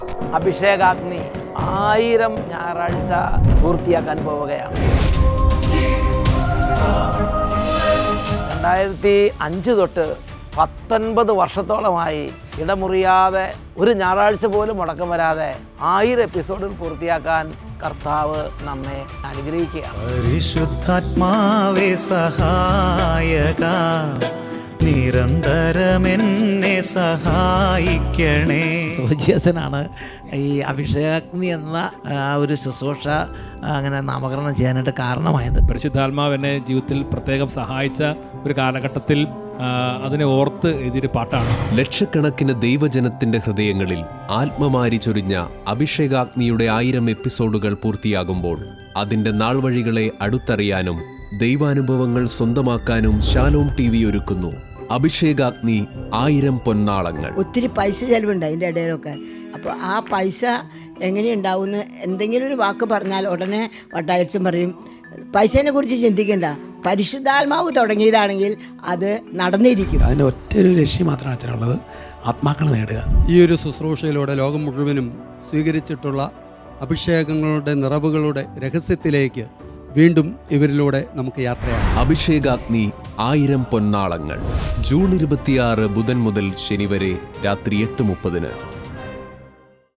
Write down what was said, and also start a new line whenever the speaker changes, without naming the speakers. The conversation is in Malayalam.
അഭിഷേകാഗ്നി 1000 ഞായറാഴ്ച പൂർത്തിയാക്കാൻ പോവുകയാണ്. 2005 തൊട്ട് 19 വർഷത്തോളമായി ഇടമുറിയാതെ ഒരു ഞായറാഴ്ച പോലും മുടക്കം വരാതെ 1000 എപ്പിസോഡിൽ പൂർത്തിയാക്കാൻ കർത്താവ് നമ്മെ അനുഗ്രഹിക്കുകയാണ്.
പരിശുദ്ധാത്മാവേ സഹായക, നിരന്തരമെന്നെ സഹായിക്കണേ.
സോജിയസനാണ് ഈ അഭിഷേകാഗ്നി എന്ന ഒരു ശുശ്രൂഷ അങ്ങനെ നാമകരണം ചെയ്യാനായിട്ട് കാരണമായത്.
പരിശുദ്ധാത്മാവ് എന്നെ ജീവിതത്തിൽ പ്രത്യേകം സഹായിച്ച ഒരു കാലഘട്ടത്തിൽ അതിനെ ഓർത്ത് എഴുതിയൊരു പാട്ടാണ്.
ലക്ഷക്കണക്കിന് ദൈവജനത്തിന്റെ ഹൃദയങ്ങളിൽ ആത്മമാരി ചൊരിഞ്ഞ അഭിഷേകാഗ്നിയുടെ 1000 എപ്പിസോഡുകൾ പൂർത്തിയാകുമ്പോൾ അതിന്റെ നാൾവഴികളെ അടുത്തറിയാനും ദൈവാനുഭവങ്ങൾ സ്വന്തമാക്കാനും ശാലോം TV ഒരുക്കുന്നു അഭിഷേകാഗ്നി 1000 പൊന്നാളങ്ങൾ.
ഒത്തിരി പൈസ ചെലവുണ്ട് അതിൻ്റെ ഇടയിലൊക്കെ. അപ്പോൾ ആ പൈസ എങ്ങനെയുണ്ടാവുമെന്ന് എന്തെങ്കിലും ഒരു വാക്ക് പറഞ്ഞാൽ ഉടനെ വട്ടായച്ചൻ പറയും, പൈസേനെ കുറിച്ച് ചിന്തിക്കണ്ട, പരിശുദ്ധാത്മാവ് തുടങ്ങിയതാണെങ്കിൽ അത് നടന്നിരിക്കും.
അതിൻ്റെ ഒറ്റൊരു ലക്ഷ്യം മാത്രമാണ് അച്ഛനുള്ളത്, ആത്മാക്കളെ നേടുക.
ഈ ഒരു ശുശ്രൂഷയിലൂടെ ലോകം മുഴുവനും സ്വീകരിച്ചിട്ടുള്ള അഭിഷേകങ്ങളുടെ നിറവുകളുടെ രഹസ്യത്തിലേക്ക് വീണ്ടും ഇവരിലൂടെ നമുക്ക് യാത്രയാണ്.
അഭിഷേകാഗ്നി 1000 പൊന്നാളങ്ങൾ. ജൂൺ 26 ബുധൻ മുതൽ ശനി വരെ രാത്രി 8:30.